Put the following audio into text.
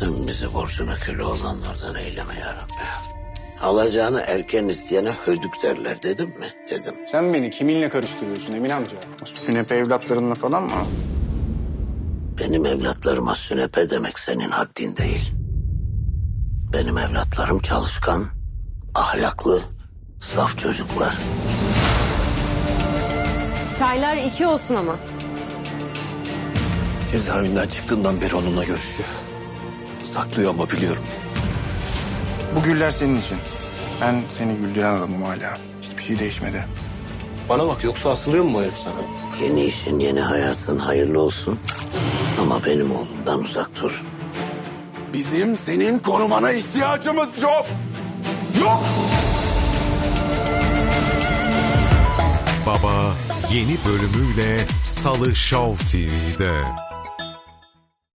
Sen bizi borcuna köle olanlardan eyleme yarabbi. Alacağını erken isteyene hödük derler dedim mi? Dedim. Sen beni kiminle karıştırıyorsun Emin amca? Sünepe evlatlarınla falan mı? Benim evlatlarıma sünepe demek senin haddin değil. Benim evlatlarım çalışkan, ahlaklı, saf çocuklar. Çaylar 2 olsun ama. Cezaevinden çıktığından beri onunla görüşüyor. Saklıyor ama biliyorum. Bu güller senin için. Ben seni güldüren adamım hala. Hiçbir şey değişmedi. Bana bak, yoksa asılıyor mu bu herif sana? Yeni işin, yeni hayatın hayırlı olsun. Ama benim oğlumdan uzak dur. Bizim senin korumana ihtiyacımız yok. Yok! Baba yeni bölümüyle Salı Show TV'de.